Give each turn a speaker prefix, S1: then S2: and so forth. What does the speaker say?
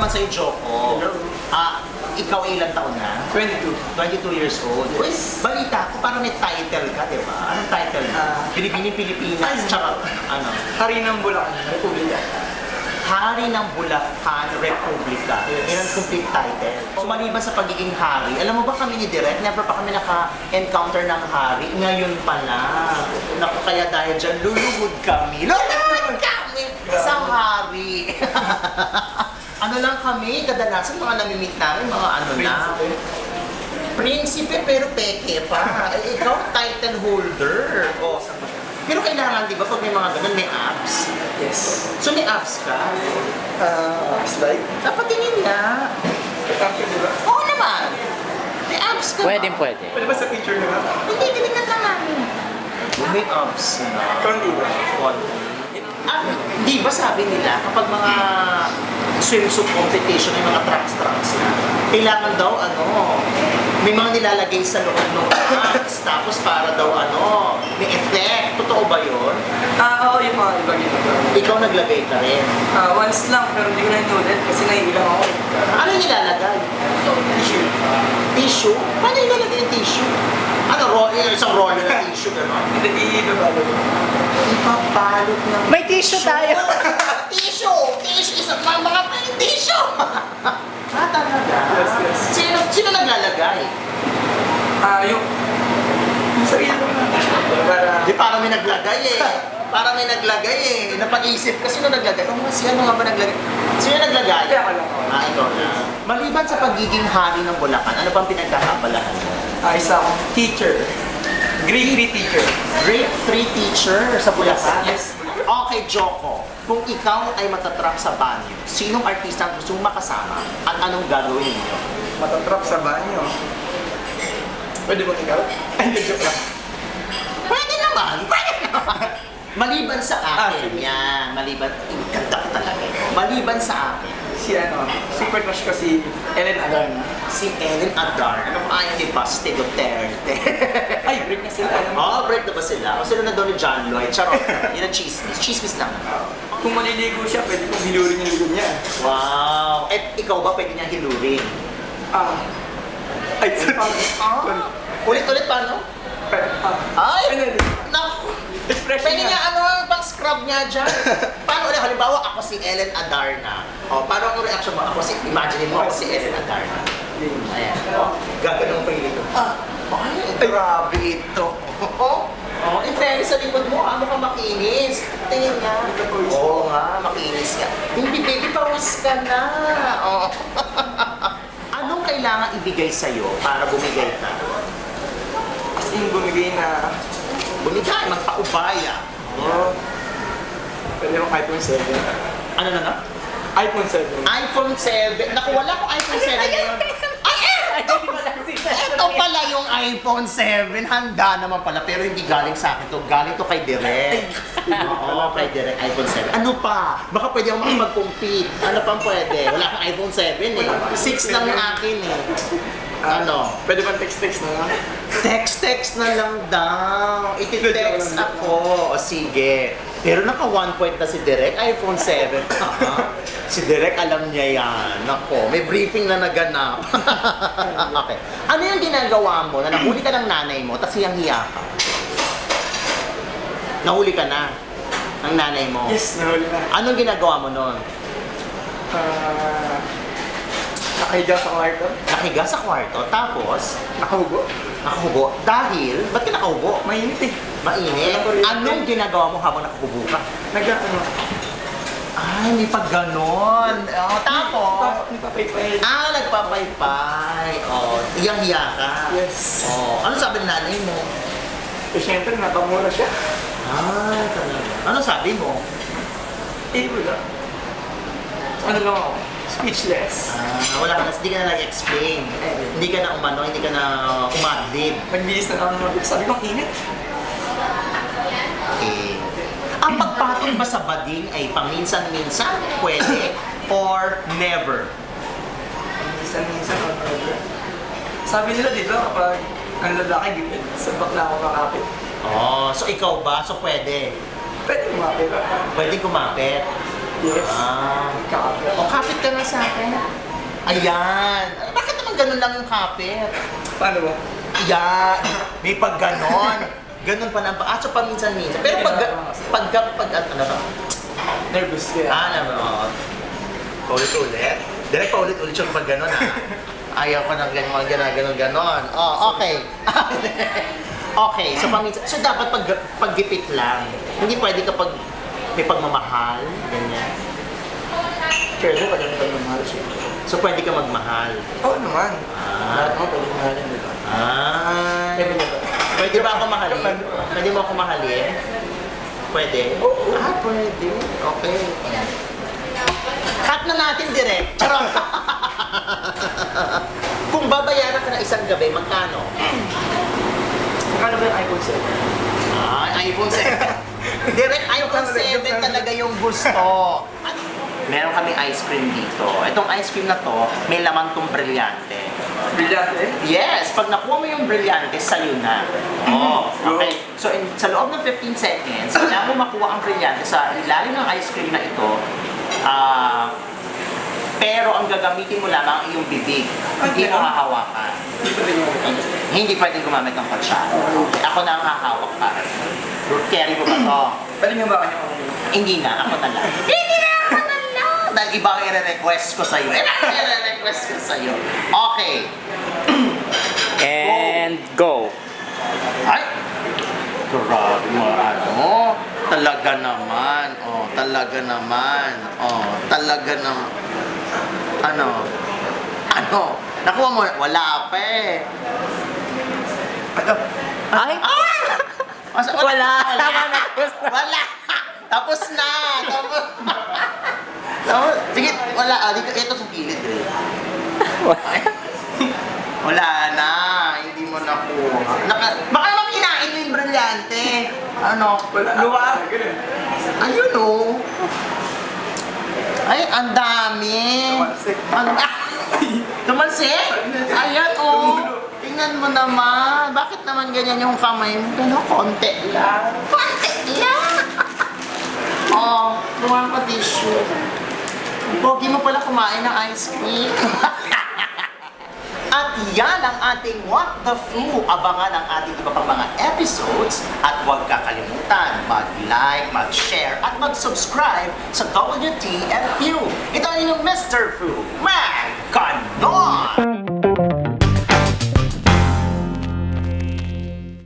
S1: sa'yo, Joko. Ikaw ay ilang taon na?
S2: 22.
S1: 22 years old. Uy, balita ko, parang may title ka, di ba? Anong title? Binibining Pilipinas, tsaka ano?
S2: Hari ng Bulacan, Republika.
S1: Hari ng Bulacan Republika. Yan ang complete title. So maliban sa pagiging hari, alam mo ba kami ni Direk, never pa kami naka-encounter ng hari. Ngayon pa lang. Naku, kaya dahil dyan, luluhod kami. Luluhod kami sa hari. Ano lang kami, kadalasan mga namimit namin, mga ano na. Prinsipe, pero peke pa. Ikaw, title holder. O, pero kailangan, di ba, pag may mga ganun, may abs.
S2: Yes.
S1: So may abs ka?
S2: Slide.
S1: Dapat tingin nga.
S2: Pagkakit di ba?
S1: Oo naman. May abs ka
S3: Pwede,
S1: ba?
S3: pwede.
S2: Pwede ba sa picture na lang?
S1: Hindi, tinignan lang namin. May abs na.
S2: Konti ba?
S1: Di ba sabi nila, kapag mga swimsuit competition, yung mga trunks na, kailangan daw, may mga nilalagay sa loob ng trunks, tapos para daw, may effect. Totoo ba yun?
S2: Oo, yung mga iba ginagawa.
S1: Ikaw naglagay ka rin.
S2: Once lang, pero hindi ko na inulit kasi naiilang ako.
S1: Ano nilalagay?
S2: Tissue.
S1: Tissue? Paano nilalagay yung tissue? Isang roller na tissue, gano'n?
S2: Hindi, ibabalo.
S1: Ipabalot ng
S3: May tissue tayo.
S1: Tissue! Tissue! Isang mga tissue! Talaga?
S2: Yes.
S1: Sino naglalagay?
S2: Yung sarili ko na. Para...
S1: Di parang may naglagay eh. Parang may naglagay eh. Napag-isip ka, sino naglagay? Ano nga ba naglagay? Sino naglagay?
S2: Kaya ako lang.
S1: Ikaw na. Maliban sa pagiging hari ng Bulacan, ano bang pinagkakabalahan mo?
S2: Isa akong teacher. Grade 3 teacher.
S1: Grade 3 teacher sa Bulacan?
S2: Yes.
S1: Okay, Joko. Kung ikaw ay matatrap sa banyo, sinong artista ang gusto mong makasama at anong gagawin niyo?
S2: Matatrap sa banyo. Pwede ba ikaw? Ay, joke lang.
S1: Pwede naman! Pwede naman! Maliban sa akin,
S2: sige.
S1: yan. Maliban, ganda ko talaga. Maliban sa akin,
S2: Super crush ko si Ellen Adarna.
S1: si Ellen Adar. Ano kung ayaw ni Basti Duterte?
S2: Ay, break na sila. Alam mo?
S1: Break na ba sila? O sila na doon ni John Lloyd? Charot. Yun ang chismis. Chismis lang.
S2: Kung maliligo siya, pwede kong hilurin yung ligo niya.
S1: Wow! Eh, ikaw ba pwede niya hilurin?
S2: Ay, sorry.
S1: Ulit-ulit paano? Ay! Naku!
S2: Expression
S1: Pwede niya pang scrub niya dyan. Paano ulit? Halimbawa, ako si Ellen Adarna. Paano ang reaction mo? Imagine mo ako si Ellen Adarna. Ayan. Gaganong pa yun ito. Ay, grabe ito. In fairness sa likod mo, ka makinis. Tingin nga. Oo nga, makinis ka. Hindi, baby, pawis ka na. Anong kailangan ibigay sa'yo para bumigay ka?
S2: As in, bumigay na...
S1: Bumigay, magpaubaya.
S2: Pwede yung iPhone 7.
S1: Ano na?
S2: iPhone 7.
S1: iPhone 7. Naku, wala akong iPhone 7 ngayon. Ito pala yung iPhone 7. Handa naman pala, pero hindi galing sa akin to. Galing to kay Direk. Oo, kay Direk, iPhone 7. Ano pa? Baka pwede ako makipag-compete. Ano pang pwede? Wala akong iPhone 7 eh. 6 lang yung akin eh.
S2: Pwede ba text-text na lang?
S1: Text na lang daw. Iti-text ako. O sige. Pero naka 1 point na si Direk, iPhone 7. Si Direk alam niya yan. Nako, may briefing na naganap. Okay. Ano yung ginagawa mo na nahuli ka ng nanay mo tapos hiyang-hiya ka? Nahuli ka na ng nanay mo?
S2: Yes, nahuli na.
S1: Anong ginagawa mo nun?
S2: Nakahiga sa kwarto.
S1: Nakiga sa kwarto, tapos
S2: Nakahugo.
S1: nakahubo. Dahil, ba't ka nakahubo?
S2: Mainit eh.
S1: Mainit. Anong ginagawa mo habang nakahubo ka? Ay, may pag ganon. Tapos,
S2: Nagpapaypay.
S1: nagpapaypay. Iyang-hiya ka.
S2: Yes.
S1: Ano sabi ng nanay mo?
S2: Eh, syempre, napamura siya.
S1: Ay, talaga. Ano sabi mo?
S2: Wala. Ano lang ako? Speechless.
S1: Wala ka na, hindi ka na nag-explain. Hindi ka na hindi ka na umadlib.
S2: Nagbihis na lang ako. Sabi ko, ang init.
S1: Okay. Ang pagpatong ba sa bading ay paminsan-minsan, pwede, or never?
S2: Minsan o never. Sabi nila dito, kapag ang lalaki, sa bakla ako makapit.
S1: So ikaw ba? So pwede?
S2: Pwede kumapit.
S1: Pwede kumapit.
S2: Yes. Kapit.
S1: O, kapit ka na sa akin. Ayan. Bakit naman ganun lang yung kapit?
S2: Paano ba?
S1: Yan. May pag ganon. Ganon pa lang. So, paminsan-minsan. Pero pag ano ba?
S2: Nervous kaya.
S1: Alam mo, paulit-ulit. Direct paulit-ulit yung pag ganon, ha? Ayaw ko ng ganon. Oh, okay. Okay, so paminsan. So, dapat paggipit lang. Hindi pwede kapag may pagmamahal, ganyan.
S2: Pwede pa ganun pagmamahal siya.
S1: So, pwede ka magmahal.
S2: Oo naman. Lahat mo pwede mahalin, di ba?
S1: Ay.
S2: Pwede ba?
S1: Pwede ba ako mahalin? Pwede mo ako mahalin? Pwede?
S2: Oo.
S1: Pwede. Okay. Cut na natin direct. Charot! Kung babayaran ka na isang gabi, magkano?
S2: Magkano ba yung iPhone 7?
S1: iPhone 7. Direct iPhone 7 talaga yung gusto. Meron kami ice cream dito. Itong ice cream na to, may laman tong brilyante.
S2: Brilyante?
S1: Yes! Pag nakuha mo yung brilyante, sa'yo na. Oh, okay. So, sa loob ng 15 seconds, kailangan mo makuha ang brilyante sa ilalim ng ice cream na ito. Pero ang gagamitin mo lamang ay yung bibig. Hindi mo hahawakan.
S2: Hindi pa rin yung
S1: Hindi pwedeng gumamit ng kutsara. Okay. Ako na ang hahawak para sa'yo. Carry mo ba to?
S2: Pwede niyo ba kanya ako?
S1: Hindi na, ako na lang. Hindi na, ako na lang! Dahil iba ang i-request ko sa'yo. Iba ang i-request ko sa'yo. Okay.
S3: And go.
S1: Ay! Grabe mo, ano? Talaga naman. Oh, talaga naman. Oh, talaga naman. Ano? Nakuha mo, wala pa eh.
S3: Ay! Wala.
S1: Wala. Tapos na. Sige, wala. Dito, ito sa gilid eh. Wala na. Hindi mo nakuha. Baka naman kinain mo yung brilyante. Ano?
S2: Luwa!
S1: Ayun oh. Ay, ang dami.
S2: Tumalsik.
S1: Tumalsik? Ayan oh. Tingnan mo naman. Bakit naman ganyan yung kamay mo? Gano'n, konti lang. Konti lang. Oh, lumayan pa tissue. Pogi mo pala kumain ng ice cream. At yan ang ating What the Foo. Abangan ang ating iba pang mga episodes. At huwag kakalimutan mag-like, mag-share, at mag-subscribe sa WTFU. Ito ang inyong Mr. Foo. Maganon!